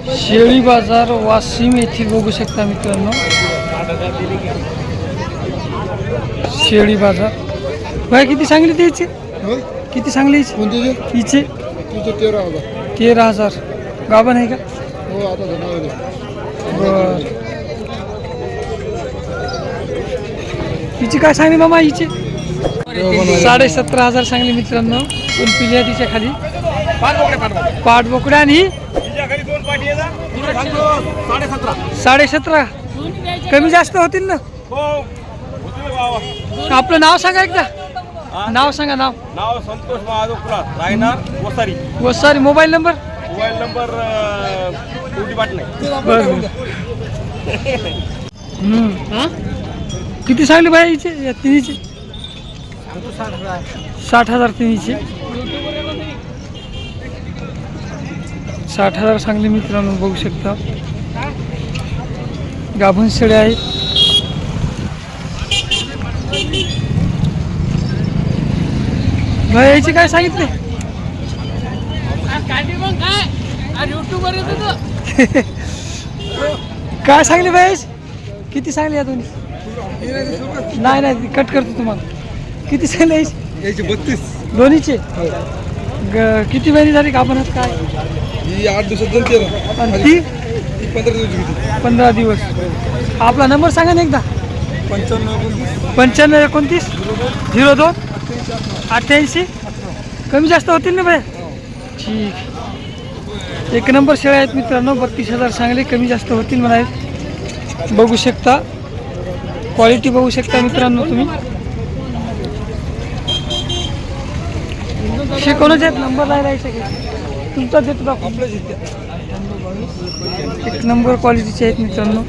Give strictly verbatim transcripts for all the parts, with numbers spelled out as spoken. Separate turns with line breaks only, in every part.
शेळी बाजार वाशिम येथील बघू शकता मित्रांनो, शेळी बाजार. भाई किती सांगली त्याचे? किती सांगली हिचे?
तेरा हजार.
तेरा हजार. गाभण आहे का?
हो आता
बर. हिची काय सांगली मामा हिचे? साडे सतरा हजार सांगली मित्रांनो. दोन पिल्या तिच्या खाली पाठ बोकड्या आणि साडे सतरा. कमी जास्त होतील ना? आपलं नाव सांगा एकदा. नाव सांगा. नाव
नाव संतोष महादेव कुलार, राहणार Vasari.
Vasari. Mobile number?
Mobile number
बरं. किती सांगली बाई हिचे या तिन्हीचे? साठ हजार तिन्हीचे. साठ हजार सांगली मित्रांनो, बघू शकता. गाभण शेळ्या आहेत. भाई याची काय सांगितले? काय सांगले भाई? किती सांगले या दोन्ही? नाही नाही कट करतो तुम्हाला. किती सांगले याची?
बत्तीस
दोन्हीचे. किती महिने झाली गाभणात? काय
ही आठ दिवसात जण तेरा
आणि ती
पंधरा दिवस.
पंधरा दिवस. आपला नंबर सांगा ना एकदा.
पंच्याण्णव
पंच्याण्णव एकोणतीस झिरो दोन अठ्ठ्याऐंशी. कमी जास्त होतील ना भाई? ठीक. एक नंबर शेळ्या आहेत मित्रांनो. बत्तीस हजार सांगले. कमी जास्त होतील म्हणाले. बघू शकता. क्वालिटी बघू शकता मित्रांनो तुम्ही. शिकवणच आहेत. नंबर नाही राहायचं की तुमचा देतो आपलं. एक नंबर क्वालिटीचे आहेत मित्रांनो.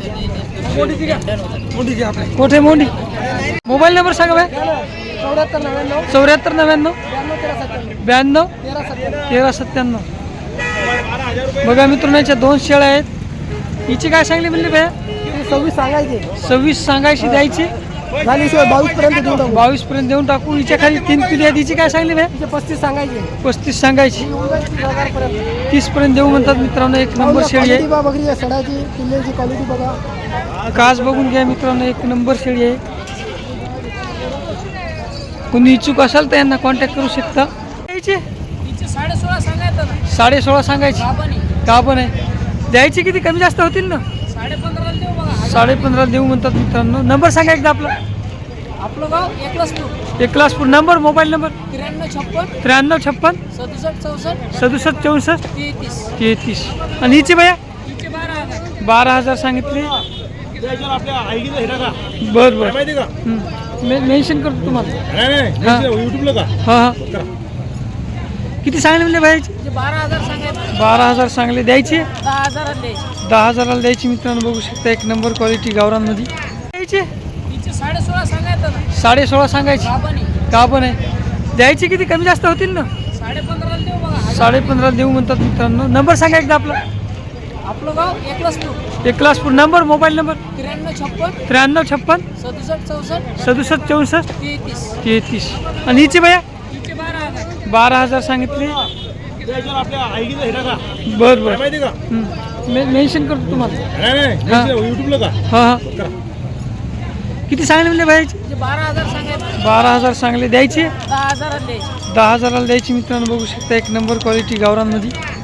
कोठे मोंडी? मोबाईल नंबर सांगा भाई.
चौऱ्याहत्तर नव्याण्णव
चौऱ्याहत्तर नव्याण्णव ब्याण्णव तेरा सत्त्याण्णव. बघा मित्रांनो, याच्या दोन शेळ्या आहेत. हिची काय सांगली म्हणली भाई?
सव्वीस सांगायचे.
सव्वीस सांगायची. द्यायची
झाली शिवाय बावीस पर्यंत देऊन टाकू.
बावीस पर्यंत देऊन टाकू. हिच्या खाली तीन पिढी आहेत. हिची काय सांगली भाई?
तिचे पस्तीस सांगायचे.
पस्तीस सांगायची.
तीस हजार पर्यंत.
तीस पर्यंत देऊ म्हणतात मित्रांनो. एक नंबर शेळी आहे.
बघरी आहे सडाची. पिल्ल्याची क्वालिटी बघा.
काच बघून घ्या मित्रांनो. एक नंबर शेळी आहे. कोणी इच्छुक असाल तर यांना कॉन्टॅक्ट करू शकता.
साडे सोळा सांगायचं.
साडे सोळा सांगायची. का पण आहे? द्यायची किती? कमी जास्त होतील ना?
साडे पंधरा देऊ बघा.
साडे पंधरा देऊ म्हणतात मित्रांनो. नंबर सांगा एकदा आपला.
आपलं गाव Eklaspur.
Eklaspur. Number mobile number
त्र्याण्णव छप्पन
त्र्याण्णव छप्पन
सदुसष्ट चौसष्ट
सदुसष्ट चौसष्ट
तेहतीस.
तेहतीस. आणि हिची भैया?
तिचे बारा हजार.
बारा हजार सांगितले. बर बर. मेन्शन करतो तुम्हाला.
युट्यूबला का?
हां हां. किती सांगले म्हणले भाई?
बारा हजार सांगायचं.
बारा हजार सांगले. द्यायची
दहा हजारात द्यायची.
दहा हजाराला द्यायची मित्रांनो. बघू शकता. एक नंबर क्वालिटी गावरांमध्ये. द्यायची
तिचे साडे सोळा सांगायचं ना.
साडे सोळा सांगायची.
बाबानी
का पण आहे? द्यायची किती? कमी जास्त होतील ना?
साडे पंधरा देऊ बघा.
साडे पंधरा देऊ म्हणतात मित्रांनो. नंबर सांगा एकदा आपला.
आपलं गाव Eklaspur.
Eklaspur. Number mobile number
त्र्याण्णव छप्पन
त्र्याण्णव छप्पन
सदुसष्ट चौसष्ट
सदुसष्ट चौसष्ट
तेहतीस.
तेहतीस. आणि हिची भैया?
तिचे बारा हजार.
बारा हजार सांगितले.
आपल्या आईचा हिरा का?
बर बर.
माहिती का?
मेन्शन करतो तुम्हाला.
नाही युट्यूबला का?
हां हां. किती सांगले म्हणले भाईची?
तिचे बारा हजार सांगायचं.
बारा हजार सांगले. द्यायची
दहा हजारात द्यायची.
दहा हजाराला द्यायची मित्रांनो. बघू शकता. एक नंबर क्वालिटी गावरांमध्ये.